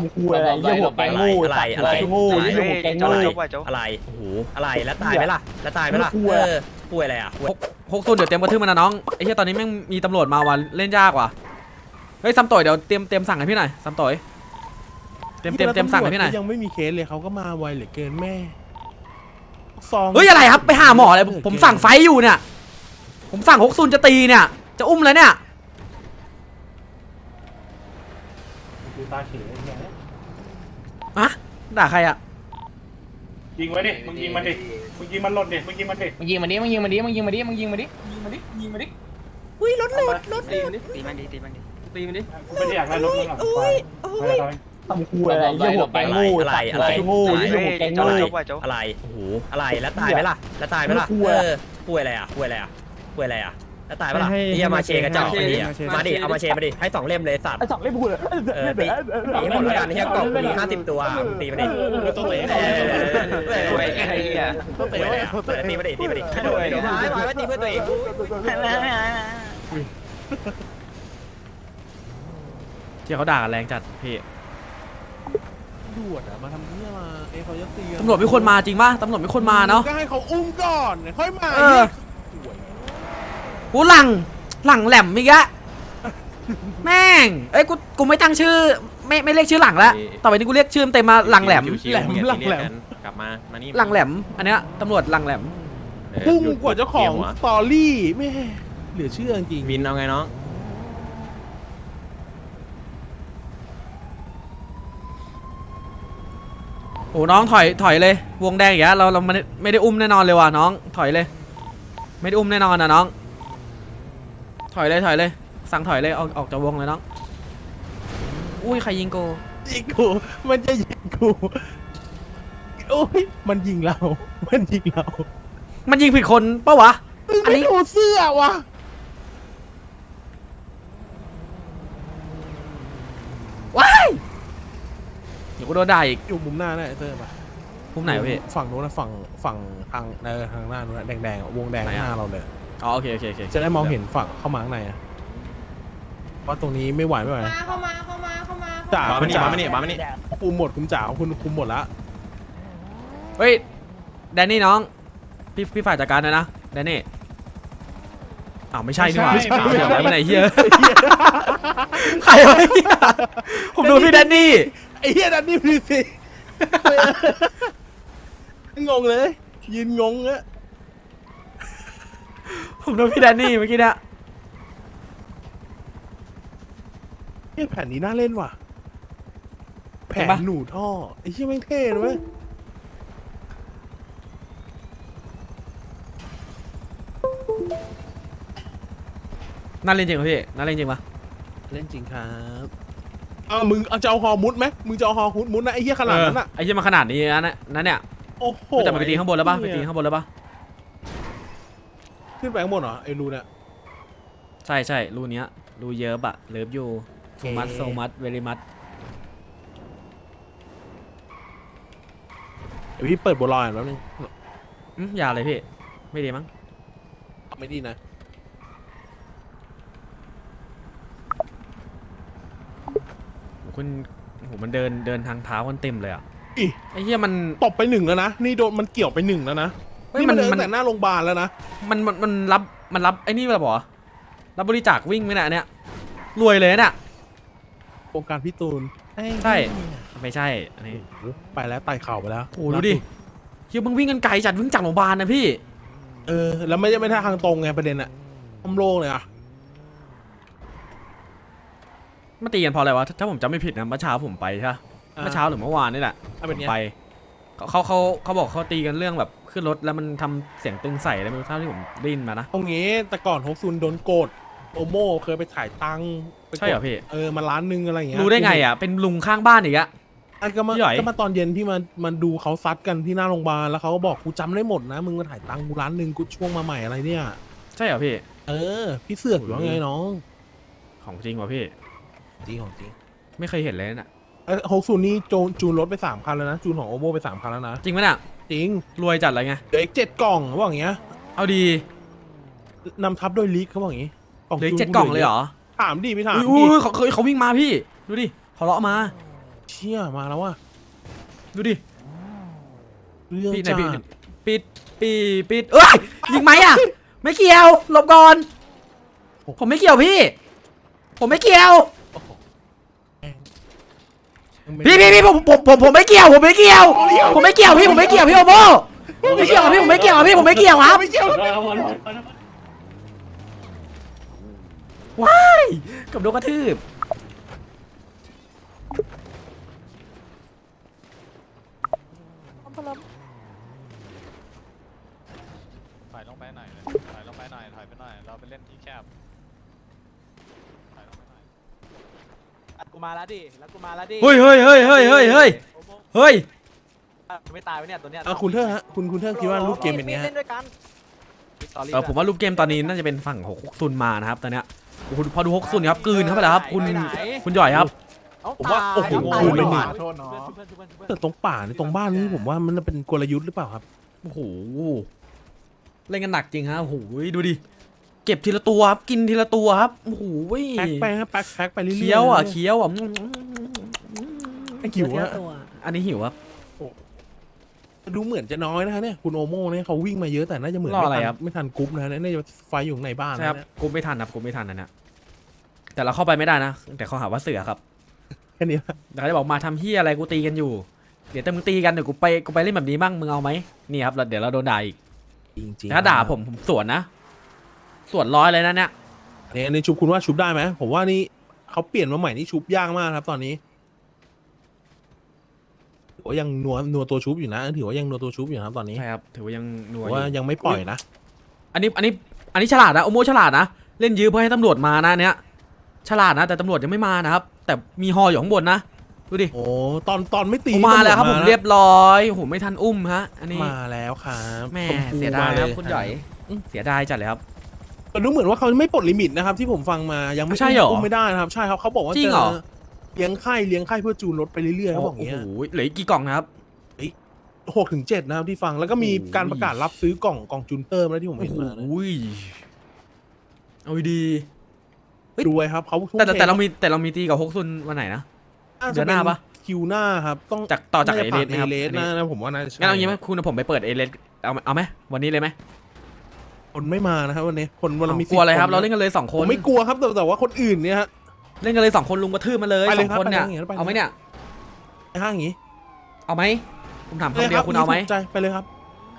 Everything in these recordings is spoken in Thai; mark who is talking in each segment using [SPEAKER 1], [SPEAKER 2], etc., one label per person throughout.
[SPEAKER 1] ำคูอะไรเยี่ยหัวแกงงูอะไรงูเยี่ยหัวแกงงู
[SPEAKER 2] อะไรโอ้โหอะไรแล้วตายไหมล่ะแล้วตายไหมล่ะป่วยอะไรอ่ะ
[SPEAKER 3] 60เดี๋ยวเตรียมกระทืบมันนะน้องไอ้เหี้ยตอนนี้แม่งมีตำรวจมาว่ะเล่นยากว่ะเฮ้ยซัมต่อยเดี๋ยวเตรียมสั่งให้พี่หน่อยซัมต่อยเตรียมสั่งให้พี่หน่อย
[SPEAKER 4] ยังไม่มีเคสเลยเขาก็มาไวเหลือเกินแม่ซอง
[SPEAKER 3] เฮ้ยอะไรครับไปหาหมอเลยผมสั่งไฟอยู่เนี่ยผมสั่ง60จะตีเนี่ยจะอุ้มแล้วเนี่ย
[SPEAKER 1] ดูตาเฉยไง
[SPEAKER 3] อะด่าใครอะ
[SPEAKER 1] ยิงไว้ดิมึงยิงมันดิมึงยิงมันหล่นดิมึงยิงมันดิ
[SPEAKER 5] มึงยิงมันดิมึงยิงมันดิมึงยิงมันดิมึงยิงมันดิยิงมันดิอุ้ยรถหลุดตีมันดิตีมันดิตีมันดิตีมันดิ
[SPEAKER 1] กูไม่ได้อยากได้รถมึงหรอกไปทำคูอะไรเยี่ยหัวแกงงูอะไรงูเยี่ยหัวแกงงู
[SPEAKER 2] อะไรโอ้โหอะไรแล้วตายไหมล่ะแล้วตายไหมล่ะป่วยอะไรอ่ะป่วยอะไรอ่ะป่วยอะไรอ่ะแล้วตายไหมล่ะนี่มาเชกระจอกมาดิเอามาเชมาดิให้2 เล่มเลยสัตว์
[SPEAKER 1] ไอ้สองไม่พูดเลย
[SPEAKER 2] ตีหมดแล้วกันที่กล่องมี50 ตัวตีมาดิ
[SPEAKER 4] ต้องเตะ
[SPEAKER 5] ไอ้เหี้ย
[SPEAKER 4] ต้องเตะ
[SPEAKER 2] ตีมาดิตีมาดิโดนไม่ตีเพื่อตัวเอง
[SPEAKER 3] ที่เขาด่ากันแรงจัดพี่
[SPEAKER 4] ตำรวจอะมาทำเนี่ยมาเขาจะตี
[SPEAKER 3] ตำรวจไม่คนมาจริงป่ะตำรวจไม่คนมาเนาะ
[SPEAKER 4] ก็ให้เขาอุ้มก่อนค่อยมา
[SPEAKER 3] กูหลังแหลมอีกอะแม่งเอ้ยกูไม่ตั้งชื่อไม่เรียกชื่อหลังแล้วต่อไปนี้กูเรียกชื่อเต็มมาหลังแหลม
[SPEAKER 2] กลับมานี่
[SPEAKER 3] หลังแหลมอันเนี้ยตำรวจหลังแหลม
[SPEAKER 4] พุ่งกว่าเจ้าของสตอรี่แม่เหลือเชื่อจริง
[SPEAKER 2] วินเอาไงน้อง
[SPEAKER 3] โอ้น้องถอยเลยวงแดงอย่างเงี้ยเราไม่ได้อุ้มแน่นอนเลยว่ะน้องถอยเลยไม่ได้อุ้มแน่นอนนะน้องถอยเลยสั่งถอยเลยออกจากวงเลยน้องอุ้ยใครยิงกู
[SPEAKER 4] ยิงกูมันจะยิงกูโอ้ยมันยิงเรามันยิง
[SPEAKER 3] ผิดคนปะวะอันนี้
[SPEAKER 4] ไม่ดูเสื้อวะ
[SPEAKER 3] ว้ายเดี๋ยวกูโดนด่าอีก
[SPEAKER 4] อยู่มุมหน้าน่ะเตอร์มา
[SPEAKER 3] มุมไหนวะพี่
[SPEAKER 4] ฝั่งนู้นนะฝั่งทางทางหน้านู้นนะแดงๆวงแดงหน้าเราเลย
[SPEAKER 3] อ๋อโอเค
[SPEAKER 4] จะได้มองเห็นฝั่งเข้ามาข้างในอะเพราะตรงนี้ไม่ไหว
[SPEAKER 6] เข้ามา
[SPEAKER 4] จ่า
[SPEAKER 2] มาไม่นี่
[SPEAKER 4] คุมหมดคุณจ่าคุณคุมหมดละ
[SPEAKER 3] เฮ้ยแดนนี่น้องพี่ฝ่ายจัดการนะแดนนี่อ้าวไม่ใช่นี่หว่าเดี๋ยวไปไหนเฮียใครวะเฮียผมดูพี่แดนนี่
[SPEAKER 4] ไอ้เหี้ยนั่นนี่พี่สิงงเลยยืนงงอะ
[SPEAKER 3] ผมดูพี่แดนนี่เมื่อกี้เนี่ย
[SPEAKER 4] แผ่นนี้น่าเล่นว่ะแผ่นหนูท่อไอ้เหี้ยแม่งเท่เลยเว้ย
[SPEAKER 3] น่าเล่นจริงป่ะพี่น่าเล่นจริงป่ะ
[SPEAKER 4] เล่นจริงครับมึงจะเอาฮอมุดไหมมึงจะเอาฮอมุดนะไอ้เหี้ยขนาดนั้นอะ
[SPEAKER 3] ไอ้เหี้ยมาขนาดนี้นะเนี่ย
[SPEAKER 4] โอ้โห
[SPEAKER 3] จะไปตีข้างบนแล้วป่ะไปตีข้างบนแล้วป่ะ
[SPEAKER 4] ขึ้นไปข้างบนเหรอไอ้รูเนี่ย
[SPEAKER 3] ใช่รูเนี้ยรูเยอะอะเลิฟยูโซมัสเวลิมัส
[SPEAKER 4] เดี๋ยวพี่เปิดบัวลอยแล้วนึง
[SPEAKER 3] อย่าเลยพี่ไม่ดีมั้ง
[SPEAKER 4] ไม่ดีนะ
[SPEAKER 3] มันเดินทางเท้ากันเต็มเลยอ่ะ
[SPEAKER 4] อี
[SPEAKER 3] ไอ้เหี้ยมัน
[SPEAKER 4] ตบไป1แล้วนะนี่โดนมันเกี่ยวไป1แล้วนะนี่มันเดินแต่หน้าโรงพยาบาลแล้วนะ
[SPEAKER 3] มันรับไอ้นี่แบบเหรอรับบริจาควิ่งไหมเนี่ยรวยเลยเนี่ย
[SPEAKER 4] โครงการพี่ตูน
[SPEAKER 3] ใช่ไม่ใช่อันนี้
[SPEAKER 4] ไปแล้วไต่เข่าไปแล้ว
[SPEAKER 3] โอ้ดูดิเหี้ยมึงวิ่งกันไกลจัดวิ่งจากโรงพยาบาลนะพี่
[SPEAKER 4] แล้วไม่ได้ทางตรงไงประเด็นอะอ้อมโล่งเลยอะ
[SPEAKER 3] มาตีกันพออะไรวะถ้าผมจำไม่ผิดนะเมื่อเช้าผมไปใช่เมื่อเช้าหรือเมื่อวานนี่แหละผมไปเขาบอกเขาตีกันเรื่องแบบขึ้นรถแล้วมันทำเสียงตึงใส่อะไรไม่รู้เท่าที่ผมได้ยินมานะ
[SPEAKER 4] ตรงนี้แต่ก่อนฮกซุนโดนโกดโอโม่เคยไปถ่ายตังค์
[SPEAKER 3] ใช่เหรอพี่
[SPEAKER 4] มาล้านนึงอะไรอย่างเงี้ย
[SPEAKER 3] รู้ได้ไงอ่ะเป็นลุงข้างบ้านอีกอะ
[SPEAKER 4] ก็มาตอนเย็นที่มันดูเขาซัดกันที่หน้าโรงพยาบาลแล้วเขาก็บอกกูจำได้หมดนะมึงมาถ่ายตังค์กูล้านนึงกูช่วงมาใหม่อะไรเนี่ย
[SPEAKER 3] ใช่เหรอพี่
[SPEAKER 4] พี่เสือกอยู่ว่าไงน้อง
[SPEAKER 3] ของจริงวะพี่
[SPEAKER 4] จริงของจริง
[SPEAKER 3] ไม่เคยเห็นเลยน่ะ
[SPEAKER 4] ฮกซุนนี่จูนรถไป3 คันแล้วนะจูนของโอโม่ไป3 คันแล้วนะ
[SPEAKER 3] จริงไหมน่ะ
[SPEAKER 4] จริง
[SPEAKER 3] รวยจัดอะไรไง
[SPEAKER 4] เดี๋ยวอีก7 กล่องเขาบอกอย่างเงี้ย
[SPEAKER 3] เอาดี
[SPEAKER 4] นำทับโดยลีกเขาบอกอย่างงี้
[SPEAKER 3] เหลือ7 กล่องเลยเหรอ
[SPEAKER 4] ถามดิพี่ถาม
[SPEAKER 3] อุ้ยเขาวิ่งมาพี่ดูดิเขาเลาะมา
[SPEAKER 4] เชี่ยมาแล้วว่ะ
[SPEAKER 3] ดูดิ
[SPEAKER 4] เรื่อง
[SPEAKER 3] พี่ไหน
[SPEAKER 4] จั
[SPEAKER 3] พี่
[SPEAKER 4] ด
[SPEAKER 3] ปิดเอ้ยยิงไหมอ่ะไม่เกี่ยวหลบก่อนผมไม่เกี่ยวพี่ ผมไม่เกี่ยวพี่ผมไม่เกี่ยวผมไม่เกี่ยวผมไม่เกี่ยวพี่ผมไม่เกี่ยวพี่โอโมไม่เกี่ยวกับพี่ผมไม่เกี่ยวกับพี่ผมไม่เกี่ยวครับว้ายกับโดนกระทืบ
[SPEAKER 6] ถอยลงไปหน่อยเลยถอยลงไปหน่อย ถอยไปหน่อย เราไปเล่นที่แคบ ถอยลงไปหน่อย
[SPEAKER 7] กูมาแล้วดิ แล้วกูมาแล้วดิ
[SPEAKER 3] เฮ้ย
[SPEAKER 7] ไม่ตายไว้เนี่ยตัวเนี้ย
[SPEAKER 4] คุณเทอร์ฮะคุณเทอร์คิดว่ารูปเกมเป็นไงฮะ
[SPEAKER 7] เล่นด้วยกัน
[SPEAKER 3] ผมว่ารูปเกมตอนนี้น่าจะเป็นฝั่งฮกซุนมานะครับตอนเนี้ยโอ้โหพอดูฮกซุนครับกลืนเข้าไปแล้วครับคุณหย่อยครับ
[SPEAKER 4] ผมว่าโอ้โห
[SPEAKER 7] ตาย
[SPEAKER 4] คุณไม่หนี
[SPEAKER 7] โทษเนาะ
[SPEAKER 4] แต่ตรงป่าในตรงบ้านนี้ผมว่ามันเป็นกลยุทธ์หรือเปล่าครับ
[SPEAKER 3] โอ้โหเล่นกันหนักจริงฮะโอ้โหดูดิเก็บทีละตัวครับกินทีละตัวครับโอ้โห
[SPEAKER 4] แพ็คไปฮะแพ็คไปเรื่อยๆ
[SPEAKER 3] เคี้ยวอ่ะเคี้ยวอ่ะ
[SPEAKER 4] ไอ้หิวอะ
[SPEAKER 3] อันนี้หิวครับ
[SPEAKER 4] ดูเหมือนจะน้อยนะคะเนี่ยคุณโอโม่เนี่ยเขาวิ่งมาเยอะแต่น่าจะเหมือนไม่ทันกรุ๊ปนะน่าจะไฟอยู่ในบ้าน
[SPEAKER 3] ใช่ครับ
[SPEAKER 4] นะ
[SPEAKER 3] กูไม่ทันครับกูไม่ทันนะเนี่ยแต่เราเข้าไปไม่ได้นะแต่เขาหาว่าเสือครับ
[SPEAKER 4] แค่นี้
[SPEAKER 3] แต่เขาจะบอกมาทำเฮียอะไรกูตีกันอยู่เดี๋ยวแต่มึงตีกันเดี๋ยวกูไปเล่นแบบนี้บ้างมึงเอาไหมนี่ครับเดี๋ยวเราโดนด่าอีก
[SPEAKER 4] จริงๆ
[SPEAKER 3] ถ้าด่าผมสวนนะสวนร้อยเลยนะเนี่ย
[SPEAKER 4] เนี่ยในชุบคุณว่าชุบได้ไหมผมว่านี่เขาเปลี่ยนมาใหม่นี่ชุบยากมากครับตอนนี้ถือว่ายังนัวตัวชุบอยู่นะถือว่ายังนัวตัวชุบอยู่นะครับตอนนี้
[SPEAKER 3] ใช่ครับถือว่ายังนัว
[SPEAKER 4] ถือ
[SPEAKER 3] อ
[SPEAKER 4] ว่า
[SPEAKER 3] ยู่
[SPEAKER 4] ยังไม่ปล่อยนะ
[SPEAKER 3] อันนี้ฉลาดนะโอโมฉลาดนะเล่นยื้อเพื่อให้ตำรวจมานะเนี้ยฉลาดนะแต่ตำรวจยังไม่มานะครับแต่มีฮออยู่ข้างบนนะดูดิ
[SPEAKER 4] โอ้ตอนไม่ตี
[SPEAKER 3] ผมมาแล้วครับ
[SPEAKER 4] ตำ
[SPEAKER 3] ผ
[SPEAKER 4] วจ
[SPEAKER 3] ม
[SPEAKER 4] นะ
[SPEAKER 3] เรียบร้อยโอ้โหไม่ทันอุ้มฮะอันนี้
[SPEAKER 4] มาแล้วครับ
[SPEAKER 3] แม่
[SPEAKER 4] ชพู
[SPEAKER 3] เสียดายครับ
[SPEAKER 4] มล
[SPEAKER 3] คุณหย่อยเสียดายจัดเลยครับ
[SPEAKER 4] แต่ดูเหมือนว่าเขาไม่ปลดลิมิตนะครับที่ผมฟังมายังไม่
[SPEAKER 3] ใช่เหรอ
[SPEAKER 4] อุ้มไม่ได้นะครับใช่ครับเขาบอกว่า
[SPEAKER 3] จริง
[SPEAKER 4] จะ
[SPEAKER 3] เหรอ
[SPEAKER 4] เลี้ยงไข่เพื่อจูนรถไปเรื่อยๆเขาบอกอย่างเงี้ย
[SPEAKER 3] โอ้โหเหลืออีกกี่กล่องนะครับ
[SPEAKER 4] 6-7นะครับที่ฟังแล้วก็มีการประกาศรับซื้อกล่องจูนเตอร์มาแล้วที่ผม
[SPEAKER 3] โอ้
[SPEAKER 4] เห็น
[SPEAKER 3] โห
[SPEAKER 4] มานะ
[SPEAKER 3] เอาดี
[SPEAKER 4] รวยครับเขาทุ่ม
[SPEAKER 3] แต่
[SPEAKER 4] เท
[SPEAKER 3] เรามีตีกับฮกซุนวันไหนนะ เดือนหน้าปะ
[SPEAKER 4] คิวหน้าครับต้อง
[SPEAKER 3] ต่อจาก
[SPEAKER 4] น่
[SPEAKER 3] เอ
[SPEAKER 4] จะ
[SPEAKER 3] เล
[SPEAKER 4] ผ่า
[SPEAKER 3] ส
[SPEAKER 4] น
[SPEAKER 3] ไหม
[SPEAKER 4] เอ
[SPEAKER 3] ครับ
[SPEAKER 4] เลสนะผมว่าน่าจะใช่
[SPEAKER 3] งั้นเอางี้ไหมคุณผมไปเปิดเอเลสเอาไหมวันนี้เลยไหม
[SPEAKER 4] คนไม่มานะครับวันนี้คนวันละมี
[SPEAKER 3] กลัวอะไรครับ
[SPEAKER 4] 10
[SPEAKER 3] เราเล่นกันเลย2 ค
[SPEAKER 4] ผม
[SPEAKER 3] น
[SPEAKER 4] ไม่กลัวครับแต่ว่าคนอื่นเนี่ยฮะ
[SPEAKER 3] เล่นกันเลย2 คนลุงกระทืบมาเลย
[SPEAKER 4] ไปเลย
[SPEAKER 3] 2
[SPEAKER 4] ครับ
[SPEAKER 3] คนเนี่ย
[SPEAKER 4] ไปเลยไปเลย
[SPEAKER 3] เอาไหมเนี่ย
[SPEAKER 4] ไอ้ห้างอย่างงี้
[SPEAKER 3] เอาไหมผมถามคำเดียวคุณเอาไหม
[SPEAKER 4] ใจไปเลยครับ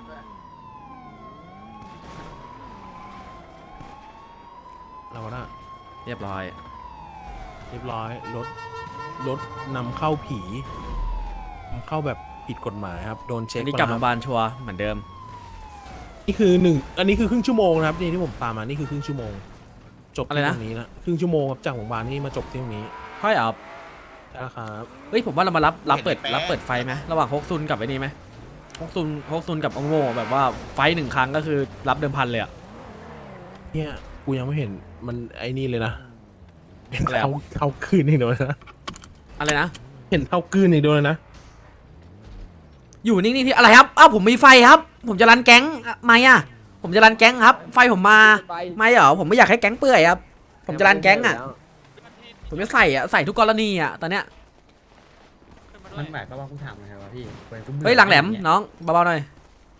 [SPEAKER 4] เราละ
[SPEAKER 3] เรียบร้อย
[SPEAKER 4] เรียบร้อยรถนำเข้าผีนำเข้าแบบผิดกฎหมายครับโดนเช็ค
[SPEAKER 3] อันนี้กลับโรงพยา
[SPEAKER 4] มา
[SPEAKER 3] บาลชัวร์เหมือนเดิม
[SPEAKER 4] นี่คืออันนี้คือครึ่งชั่วโมงนะครับนี่ที่ผมตามมานี่คือครึ่งชั่วโมงจบที่ตรงนี้นะครึ่งชั่วโมงครับจากโรงพยาบาลนี่มาจบที่ตรงนี้
[SPEAKER 3] ค่อยเอา
[SPEAKER 4] นะครับ
[SPEAKER 3] เฮ้ยผมว่าเรามารับเปิดไฟไหมระหว่างฮกซุนกับไอ้นี่ไหมฮกซุนกับองโง่แบบว่าไฟ1 ครั้งก็คือรับเดิมพันเลยอะ
[SPEAKER 4] เนี่ยกูยังไม่เห็นมันไอ้นี่เลยนะเห็น
[SPEAKER 3] อะไรอะ
[SPEAKER 4] เท้าคืนอีกเดียวนะ
[SPEAKER 3] อะไรนะ
[SPEAKER 4] เห็นเท้าคืนอีกเดียวเลยนะ
[SPEAKER 3] อยู่นิ่งๆที่อะไรครับอ้าวผมมีไฟครับ ผมจะรันแก๊งไม่อะผมจะรันแก๊งครับ ไฟผมมาไม่เหรอผมไม่อยากให้แก๊งเปื่อยครับผมจะรันแก๊งอะผมจะใส่ทุกกรณีอะตอนเนี้ย
[SPEAKER 5] มันหมายความว่ากูถามไงวะพี่
[SPEAKER 3] เฮ้ยหลังแหลมน้องเบาๆหน่อย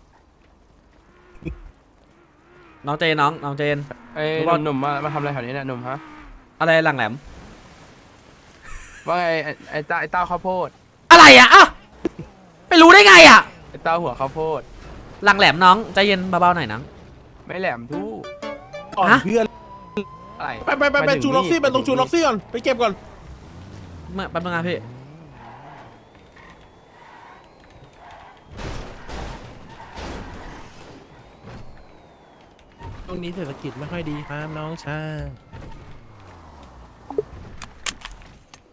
[SPEAKER 3] น้องเจนน้องเจน
[SPEAKER 8] ไอ้
[SPEAKER 3] รู้ว่า
[SPEAKER 8] หนุ่มมาทำอะไรแถวนี้เนี่ยหนุ่มฮะ
[SPEAKER 3] อะไรหลังแหลม
[SPEAKER 8] ว่าไงไอ้เต้าข้าวโพด
[SPEAKER 3] อะไรอะอ่ะไปรู้ได้ไงอะ
[SPEAKER 8] ไอ้เต้าหัวข้าวโพด
[SPEAKER 3] หลังแหลมน้องใจเย็นเบาๆหน่อยน้อง
[SPEAKER 8] ไม่แหลมทู่
[SPEAKER 4] ก่อน
[SPEAKER 3] ฮะ
[SPEAKER 4] เพื่อน
[SPEAKER 8] อะไร
[SPEAKER 4] ไปจูนล็อกซี่ไปตรงจูนล็อกซี่ก่อนไปเก็บก่อน
[SPEAKER 3] เมื่อแป๊บนึงนะพี่
[SPEAKER 4] ตรงนี้เศรษฐกิจไม่ค่อยดีครับน้องชาย